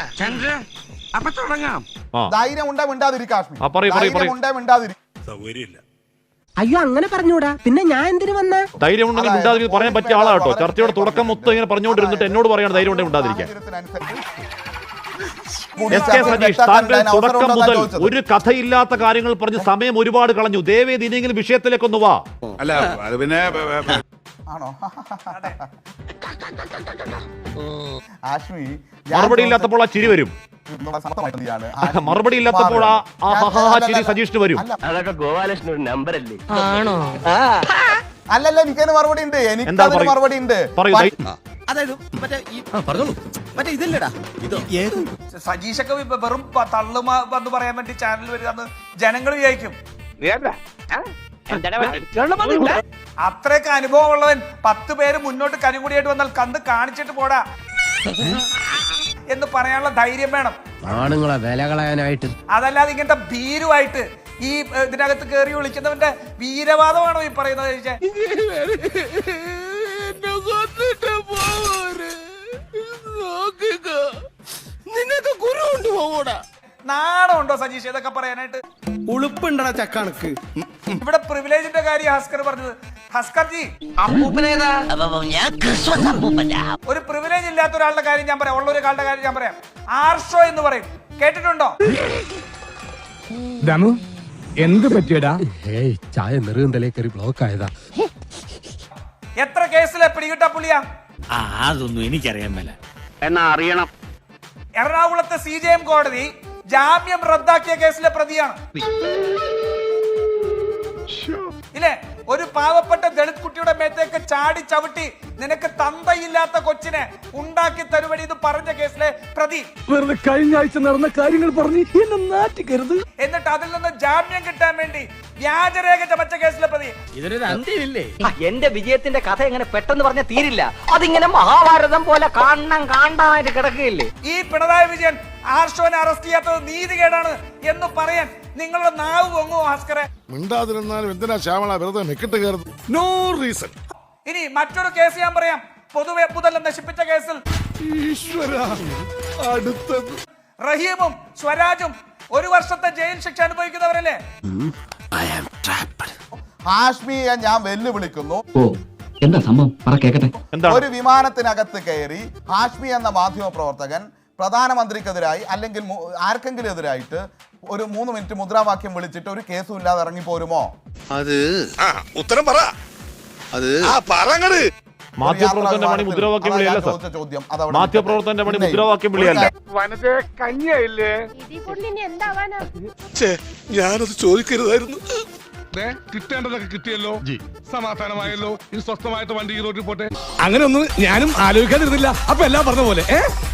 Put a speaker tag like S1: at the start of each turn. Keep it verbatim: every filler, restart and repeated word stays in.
S1: അപ്പൊ തുടങ്ങാം.
S2: ധൈര്യം ഉണ്ടേ മിണ്ടാതിരിക്കും കാശ്മീർ.
S3: ആ, പറയൂ, പറയൂ,
S2: ധൈര്യം ഉണ്ടേ മിണ്ടാതിരിക്കും.
S1: സൗകര്യമില്ല.
S4: അയ്യോ അങ്ങനെ പറഞ്ഞൂടാ, പിന്നെ ഞാൻ എന്തിനു വന്ന?
S3: ധൈര്യം ഉണ്ടെങ്കിൽ മിണ്ടാതിരിക്കും പറയാൻ പറ്റിയ ആളാ കേട്ടോ. ചർച്ചയുടെ തുടക്കം മൊത്തം ഇങ്ങനെ പറഞ്ഞുകൊണ്ടിരുന്നിട്ട് എന്നോട് പറയാണ് ധൈര്യം ഉണ്ടെങ്കിൽ മിണ്ടാതിരിക്കാൻ. എസ് കെ സതീഷ്, താങ്കൾ തുടക്കം മുതൽ ഒരു കഥയില്ലാത്ത കാര്യങ്ങൾ പറഞ്ഞ് സമയം ഒരുപാട് കളഞ്ഞു. ദയവേദി ഇനിയെങ്കിലും വിഷയത്തിലേക്കൊന്ന് വാ.
S1: അല്ല അത് പിന്നെ
S2: ആണോ ആശ്മി,
S3: മറുപടി ഇല്ലാത്തപ്പോൾ ആ ചിരി വരും. മറുപടി ഇല്ലാത്തപ്പോൾ ആ ചിരി സജീഷിന് വരും.
S5: അതൊക്കെ ഗോപാലകൃഷ്ണൻ ഒരു നമ്പർ അല്ലേ?
S4: ആണോ?
S2: അല്ലല്ല, എനിക്കതിന് മറുപടി ഉണ്ട്. എനിക്ക് മറുപടി ഉണ്ട്.
S3: പറയൂ.
S6: അതായത് മറ്റേ മറ്റേ ഇതല്ലേടാ,
S7: സജീഷൊക്കെ വെറും തള്ളുമ എന്ന് പറയാൻ വേണ്ടി ചാനൽ വരിക ജനങ്ങൾ വിചാരിക്കും. അത്രയൊക്കെ അനുഭവം ഉള്ളവൻ പത്ത് പേര് മുന്നോട്ട് കനുകൂടിയായിട്ട് വന്നാൽ കന്ന് കാണിച്ചിട്ട് പോടാ എന്ന് പറയാനുള്ള ധൈര്യം വേണം.
S4: ആണുങ്ങളെ വില കളയാനായിട്ട്.
S7: അതല്ലാതെ ഇങ്ങനത്തെ ഭീരുവായിട്ട് ഈ ഇതിനകത്ത് കയറി വിളിക്കുന്നവന്റെ വീരവാദമാണോ ഈ പറയുന്നത്? ചോദിച്ചാൽ
S6: നിന്നൊക്കെ കുരു കൊണ്ടുപോകൂടാ.
S7: നാണമുണ്ടോ സജീഷ് ഇതൊക്കെ പറയാനായിട്ട്?
S6: ഉളുപ്പുണ്ടടാ ചക്കാണക്ക്.
S7: ഇവിടെ പ്രിവിലേജിന്റെ കാര്യം ഹസ്കർ പറഞ്ഞത്. ഹസ്കർ ജി, ഒരു പ്രിവിലേജ് ഇല്ലാത്ത ഒരാളുടെ കാര്യം ഞാൻ പറയാം, ഉള്ള ഒരാളുടെ കാര്യം ഞാൻ പറയാം. ആർഷോ എന്ന് പറയും, കേട്ടിട്ടുണ്ടോ?
S8: ദമു എന്ത് പറ്റിയടാ?
S4: ഏയ് ചായ നെറുകന്തലേ കയറി ബ്ലോക്ക് ആയതാ.
S7: എത്ര കേസിലെ പിടികിട്ട പുള്ളിയാ?
S6: അതൊന്നും എനിക്കറിയാൻ മേല.
S5: എന്നാ അറിയണം.
S7: എറണാകുളത്തെ സി ജെ എം കോടതി ജാമ്യം റദ്ദാക്കിയ കേസിലെ പ്രതിയാണ്. ഇല്ലേ? ഒരു പാവപ്പെട്ട ദളിത് കുട്ടിയുടെ മേത്തേക്ക് ചാടി ചവിട്ടി നിനക്ക് തന്തയില്ലാത്ത കൊച്ചിനെ ഉണ്ടാക്കി തരുവടി എന്ന് പറഞ്ഞ കേസിലെ പ്രതി.
S8: വെറുതെ കഴിഞ്ഞ ആഴ്ച നടന്ന കാര്യങ്ങൾ പറഞ്ഞ് എന്നെ നാറ്റിക്കരുത്.
S7: എന്നിട്ട് അതിൽ നിന്ന് ജാമ്യം കിട്ടാൻ വേണ്ടി വ്യാജരേഖ ചമച്ച കേസിലെ പ്രതി.
S6: ഇതിനൊരു അന്ത്യമില്ലേ?
S5: എന്റെ വിജയത്തിന്റെ കഥ എങ്ങനെ പെട്ടെന്ന് പറഞ്ഞ തീരില്ല. അതിങ്ങനെ മഹാഭാരതം പോലെ കാണണം കാണാനായിട്ട് കിടക്കുകയില്ലേ?
S7: ഈ പിണറായി വിജയൻ ആർഷോനെ അറസ്റ്റ് ചെയ്യാത്തത് നീതികേടാണ് എന്ന് പറയാൻ നിങ്ങളുടെ നാവ് പൊങ്ങോ ഭാസ്കരെ?
S1: മിണ്ടാതിരുന്നാലും എന്തിനാ ശ്യാമള വെറുതെ മെക്കിട്ട് കയറുന്നു? No reason.
S7: ഇനി മറ്റൊരു കേസ് ഞാൻ പറയാം. പൊതുവെ മുതൽ നശിപ്പിച്ച കേസിൽ
S1: അടുത്തത്
S7: റഹീമും സ്വരാജും ഒരു വർഷത്തെ ജയിൽ ശിക്ഷ അനുഭവിക്കുന്നവരല്ലേ?
S2: ഹാഷ്മിയെ ഞാൻ വെല്ലുവിളിക്കുന്നു.
S5: എന്താ സംഭവം?
S2: ഒരു വിമാനത്തിനകത്ത് കയറി ഹാഷ്മി എന്ന മാധ്യമ പ്രവർത്തകൻ പ്രധാനമന്ത്രിക്കെതിരായി അല്ലെങ്കിൽ ആർക്കെങ്കിലും എതിരായിട്ട് ഒരു മൂന്ന് മിനിറ്റ് മുദ്രാവാക്യം വിളിച്ചിട്ട് ഒരു കേസും ഇല്ലാതെ ഇറങ്ങി പോരുമോ?
S1: അത് ഉത്തരം പറ. അത് പറങ്ങട്.
S3: മാധ്യമപ്രവർത്തകന്റെ പണി മുദ്രാവാക്യം വിളിയല്ല സാർ.
S2: ചോദ്യം
S3: മാധ്യമപ്രവർത്തകന്റെ പണി മുദ്രാവാക്യം വിളിയല്ല.
S1: ഞാനത് ചോദിക്കരുതായിരുന്നു.
S8: കിട്ടേണ്ടതൊക്കെ കിട്ടിയല്ലോ, സമാധാനമായല്ലോ. ഇനി സ്വസ്ഥമായിട്ട് വണ്ടി റോഡിൽ പോട്ടെ. അങ്ങനെ ഒന്നും ഞാനും ആലോചിക്കാതിരുന്നില്ല. അപ്പൊ എല്ലാം പറഞ്ഞ പോലെ ഏ